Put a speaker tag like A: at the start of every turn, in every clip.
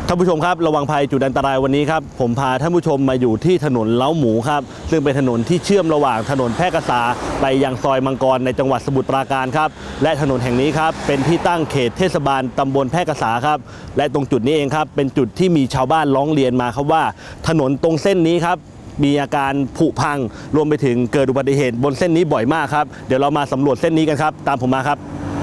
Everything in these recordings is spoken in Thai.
A: ท่านผู้ชมครับระวังภัยจุดอันตรายวันนี้ครับผมพาท่านผู้ชมมาอยู่ที่ถนนเล้าหมูครับซึ่งเป็นถนนที่เชื่อมระหว่างถนนแพร่กษาไปยังซอยมังกรในจังหวัดสมุทรปราการครับและถนนแห่งนี้ครับเป็นที่ตั้งเขตเทศบาลตำบลแพร่กษาครับและตรงจุดนี้เองครับเป็นจุดที่มีชาวบ้านร้องเรียนมาครับว่าถนนตรงเส้นนี้ครับมีอาการผุพังรวมไปถึงเกิดอุบัติเหตุบนเส้นนี้บ่อยมากครับเดี๋ยวเรามาสำรวจเส้นนี้กันครับตามผมมาครับ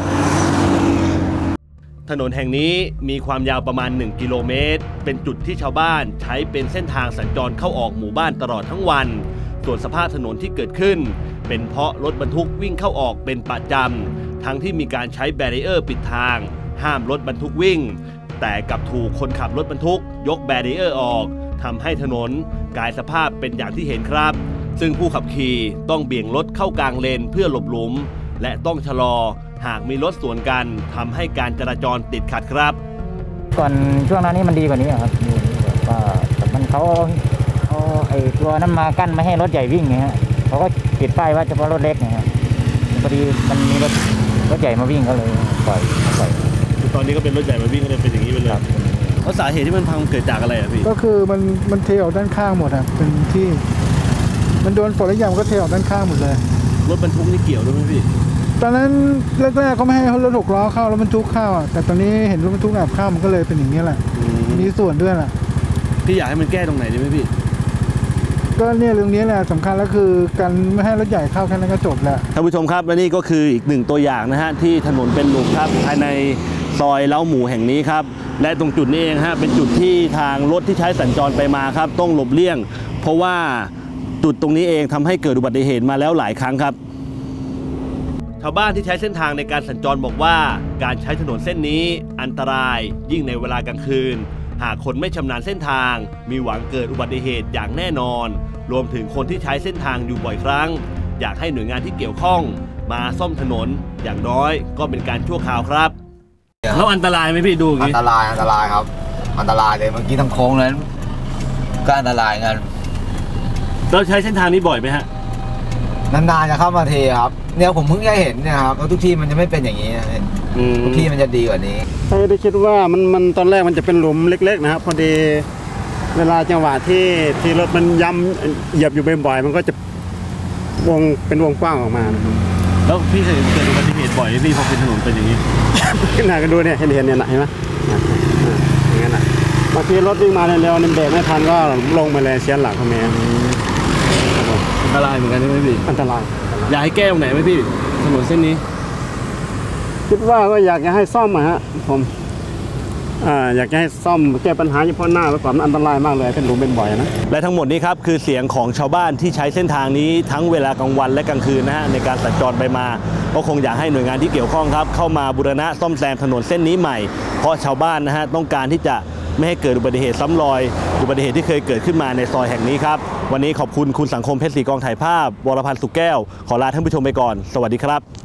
A: ถนนแห่งนี้มีความยาวประมาณ1 กิโลเมตรเป็นจุดที่ชาวบ้านใช้เป็นเส้นทางสัญจรเข้าออกหมู่บ้านตลอดทั้งวันส่วนสภาพถนนที่เกิดขึ้นเป็นเพราะรถบรรทุกวิ่งเข้าออกเป็นประจำทั้งที่มีการใช้แบรีเออร์ปิดทางห้ามรถบรรทุกวิ่งแต่กลับถูกคนขับรถบรรทุกยกแบรีเออร์ออกทำให้ถนนกลายสภาพเป็นอย่างที่เห็นครับซึ่งผู้ขับขี่ต้องเบี่ยงรถเข้ากลางเลนเพื่อหลบหลุมและต้องชะลอหากมีรถสวนกันทำให้การจราจรติดขัดครับ
B: ก่อนช่วงนั้นนี่มันดีกว่านี้ครับก็มันเขาไอ้ตัวนั้นมากั้นไม่ให้รถใหญ่วิ่งไงฮะเขาก็ติดป้ายว่าเฉพาะรถเล็กนะครับพอดีมันมีรถใหญ่มาวิ่งก็เลยปล่อย
A: ตอนนี้ก็เป็นรถใหญ่มาวิ่งก็เลยเป็นอย่างนี้ไปเลยแล้วสาเหตุที่มันพังเกิดจากอะไรอ่ะพี่
C: ก็คือมันเทออกด้านข้างหมดอ่ะเป็นที่มันโดนฝนแล้วยางก็เทออกด้านข้างหมดเลย
A: รถบรรทุกนี่เกี่ยวด้วยไหมพี่
C: ตอนนั้นแรกๆเขาไม่ให้รถ6 ล้อเข้าแล้วบรรทุกเข้าอ่ะแต่ตอนนี้เห็นรถบรรทุกแอบเข้ามันก็เลยเป็นอย่างนี้แหละมีส่วนด้วยแหละ
A: พี่อยากให้มันแก้ตรงไหนดีไหมพี่
C: ก็เนี่ยเรื่องนี้แหละสำคัญแล้วคือการไม่ให้รถใหญ่เข้าแค่นั้นก็จบแล้ว
A: ท่านผู้ชมครับและนี่ก็คืออีก1 ตัวอย่างนะฮะที่ถนนเป็นหลุมครับภายในซอยเล้าหมูแห่งนี้ครับและตรงจุดนี้เองฮะเป็นจุดที่ทางรถที่ใช้สัญจรไปมาครับต้องหลบเลี่ยงเพราะว่าจุดตรงนี้เองทำให้เกิดอุบัติเหตุมาแล้วหลายครั้งครับชาวบ้านที่ใช้เส้นทางในการสัญจรบอกว่าการใช้ถนนเส้นนี้อันตรายยิ่งในเวลากลางคืนหากคนไม่ชำนาญเส้นทางมีหวังเกิดอุบัติเหตุอย่างแน่นอนรวมถึงคนที่ใช้เส้นทางอยู่บ่อยครั้งอยากให้หน่วยงานที่เกี่ยวข้องมาซ่อมถนนอย่างน้อยก็เป็นการชั่วคราวครับแล้วอันตรายไหมพี่ดูอย่างนี้
D: อันตรายครับอันตรายเลยเมื่อกี้ทั้งโค้งนั้นก็อันตรายกัน
A: เราใช้เส้นทางนี้บ่อยไหมฮะ
D: นานๆจะเข้ามาเทครับเนี่ยผมเพิ่งได้เห็นเนี่ยครับทุกที่มันจะไม่เป็นอย่างนี้ทุกที่มันจะดีกว่านี้
E: ไม่ได้คิดว่ามันตอนแรกมันจะเป็นหลุมเล็กๆนะครับพอดีเวลาจังหวะที่รถมันย้ำเหยียบอยู่บ่อยๆมันก็จะเป็นวงกว้างออกมา
A: แล้วพี่เคยเกิดอุบัติเหตุบ่อยพี่พอเป็นถนนเป็นอย่างนี้
E: ขึ้นหน้ากันดูเนี่ยเห็นเนี่ยนะเห็นไหมอย่างนั้นแหละบางทีรถวิ่งมาเร็วๆเบรกไม่ทันก็ลงมาเลยเสียหลักเขาแม่
A: อันตรายเหมือนกันใช่ไหมพี่
E: อันตราย
A: อยากให้แก้ตรงไหนไหมพี่ถนนเส้นนี้
E: คิดว่าก็อยากจะให้ซ่อมฮะผมอยากจะให้ซ่อมแก้ปัญหาเฉพาะหน้าไว้ก่อนมันอันตรายมากเลยเป็นหลุมเป็นบ่อยนะ
A: และทั้งหมดนี้ครับคือเสียงของชาวบ้านที่ใช้เส้นทางนี้ทั้งเวลากลางวันและกลางคืนนะฮะในการสัญจรไปมาก็คงอยากให้หน่วยงานที่เกี่ยวข้องครับเข้ามาบูรณะซ่อมแซมถนนเส้นนี้ใหม่เพราะชาวบ้านนะฮะต้องการที่จะไม่ให้เกิดอุบัติเหตุซ้ำรอยอุบัติเหตุที่เคยเกิดขึ้นมาในซอยแห่งนี้ครับวันนี้ขอบคุณคุณสังคมเพชรศรีกองถ่ายภาพวรพันธ์สุขแก้วขอลาท่านผู้ชมไปก่อนสวัสดีครับ